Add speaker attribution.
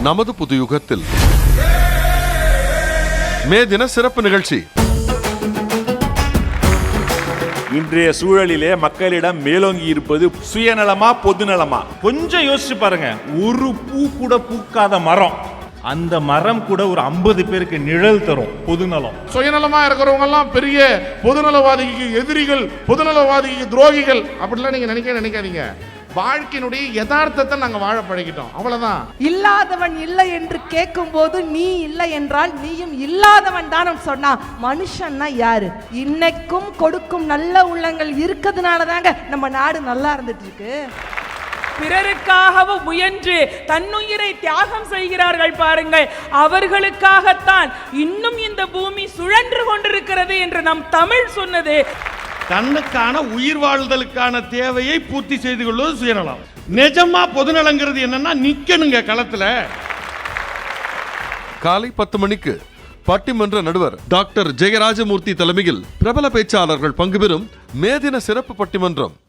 Speaker 1: நமது புது யுகத்தில் மே தின சிறப்பு நிகழ்ச்சி.
Speaker 2: இன்றைய சூழலிலே மக்களிடம் மேலோங்கி இருப்பது சுயநலமா பொதுநலமா? கொஞ்சம் யோசிச்சு பாருங்க. ஒரு பூ கூட பூக்காத மரம், அந்த மரம் கூட ஒரு 50 பேருக்கு நிழல் தரும். பொதுநலம்.
Speaker 3: சுயநலமா இருக்கிறவங்க எல்லாம் பெரிய பொதுநலவாதிக்கு எதிரிகள், பொதுநலவாதிக்கு துரோகிகள் அப்படிலாம் நீங்க நினைக்காதீங்க. வாழ்க்கையினுடைய யதார்த்தத்தை நாங்க வாழ பழகிட்டோம், அவ்வளவுதான்.
Speaker 4: இல்லாதவன் இல்லை என்று கேட்கும் போது நீ இல்லை என்றால் நீயும் இல்லாதவன் தான் சொன்னா மனுஷன்னா யாரு? இன்னைக்கும் கொடுக்கும் நல்ல உள்ளங்கள் இருக்கிறதுனால தாங்க நம்ம நாடு நல்லா இருந்துட்டு இருக்கு.
Speaker 5: பிறருக்காகவும் முயன்று தன்னுயிரை தியாகம் செய்கிறார்கள் பாருங்கள். அவர்களுக்காகத்தான் இன்னும் இந்த பூமி சுழன்று கொண்டிருக்கிறது என்று நம் தமிழ் சொன்னது.
Speaker 6: தன்னுக்கான உயிர் வாழ்தலுக்கான தேவையை பூர்த்தி செய்து கொள்வது சுயநலம். நிஜமா பொதுநலங்கிறது என்னன்னா நிக்கணுங்க களத்துல.
Speaker 1: காலை 10 மணிக்கு பட்டிமன்ற நடுவர் டாக்டர் ஜெயராஜமூர்த்தி தலைமையில் பிரபல பேச்சாளர்கள் பங்குபெறும் மே தின சிறப்பு பட்டிமன்றம்.